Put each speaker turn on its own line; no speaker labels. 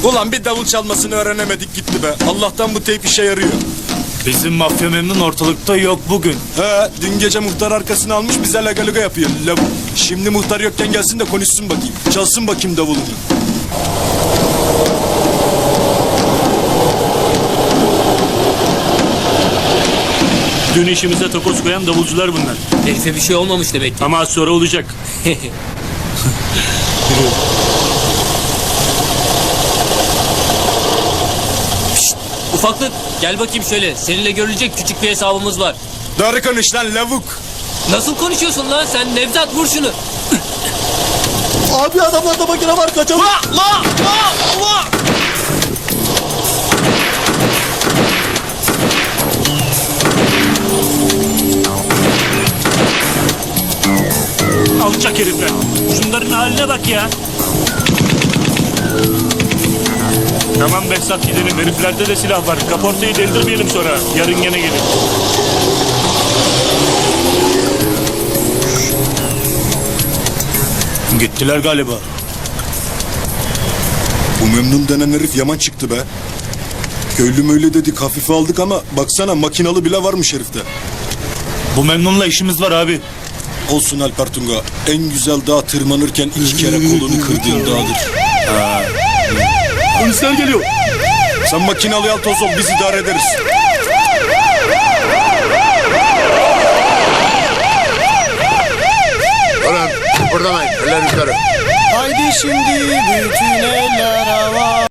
Ulan bir davul çalmasını öğrenemedik gitti be. Allah'tan bu teyp işe yarıyor.
Bizim mafya memnun ortalıkta yok bugün.
He, dün gece muhtar arkasını almış bize lagaluga yapıyor. Lavuk. Şimdi muhtar yokken gelsin de konuşsun bakayım. Çalsın bakayım davulunu.
Dün işimize takoz koyan davulcular bunlar.
Herife bir şey olmamış demek ki.
Ama az sonra olacak.
Ufaklık gel bakayım şöyle. Seninle görülecek küçük bir hesabımız var.
Doğru konuş lan lavuk.
Nasıl konuşuyorsun lan sen? Nevzat vur şunu.
Abi adamlarda makine var kaçalım.
Alçak herifler. Şunların haline bak ya. Tamam Behzat gidelim. Heriflerde de silah var. Kaportayı deldirmeyelim sonra. Yarın gene gelin. Gittiler galiba.
Bu memnun denen herif yaman çıktı be. Köylü möyle dedik hafife aldık ama baksana makinalı bile varmış herifte.
Bu memnunla işimiz var abi.
Olsun Alper Tunga. En güzel dağ tırmanırken 2 kere kolunu kırdığın dağdır.
Polisler geliyor.
Sen makinalı al toz ol biz idare ederiz.
Ulan kıpırdamayın. Eller yukarı.
Haydi şimdi bütün eller hava.